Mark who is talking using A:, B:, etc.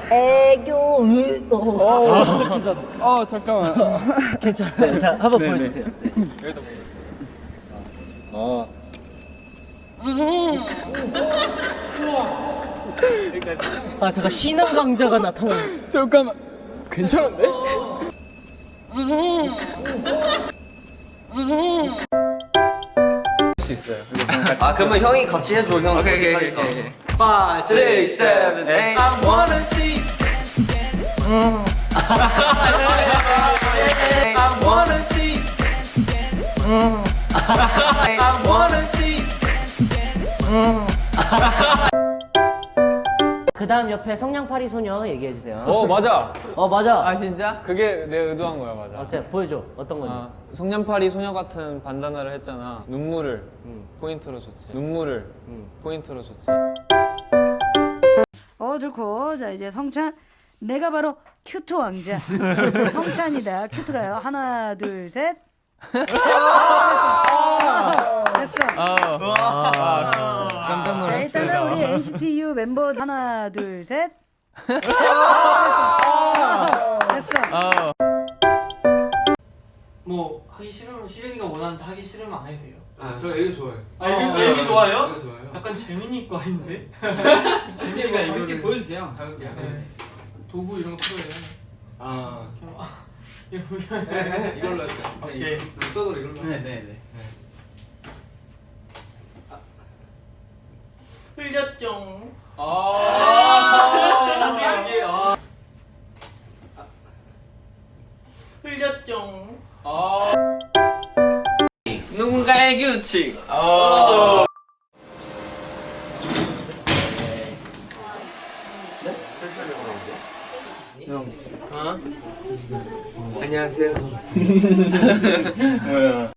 A: 애교.
B: 잠깐만.
A: 괜찮아요. 자, 한번 보여주세요.
B: 여기다
A: 아, 잠깐 신흥 강자가 나타나.
B: 잠깐만. 괜찮은데? 수 있어요.
C: 아 그러면 형이 같이 해줘 형.
B: 오케이.
C: 5, 6, 7, 8 I wanna see I wanna see I wanna see
A: 그 다음 옆에 성냥팔이 소녀 얘기해주세요.
B: 맞아.
A: 맞아.
B: 아 진짜? 그게 내가 의도한 거야, 맞아.
A: 어때? 보여줘. 어떤 건지.
B: 성냥팔이 소녀 같은 반다나를 했잖아. 눈물을 포인트로 줬지. 눈물을 포인트로 줬지.
D: 좋고. 자, 이제 성찬. 내가 바로 큐트 왕자. 성찬이다. 큐트가요. 하나, 둘, 셋. 됐어.
B: 깜짝
D: 자,
B: 놀랐어.
D: 일단은 우리 NCT U 멤버 하나, 둘, 셋. 됐어.
E: 뭐 하기 싫으면 시름이가 원하는데 하기 싫으면 안 해도 돼요.
F: 저 애교 좋아해요.
E: 애기 좋아요?
F: 애교 좋아해요.
E: 약간 재민이 거 아닌데? 재민이가 이렇게 보여주세요.
F: 가볼게요.
E: 네. 도구 이런 거 필요해요. 이거 보면
F: 이걸로 했어요.
E: 오케이.
F: 눈썹으로 이걸로.
E: 네네네. 흘렸죠. 흘렸죠.
C: 누군가의 규칙.
F: 안녕하세요.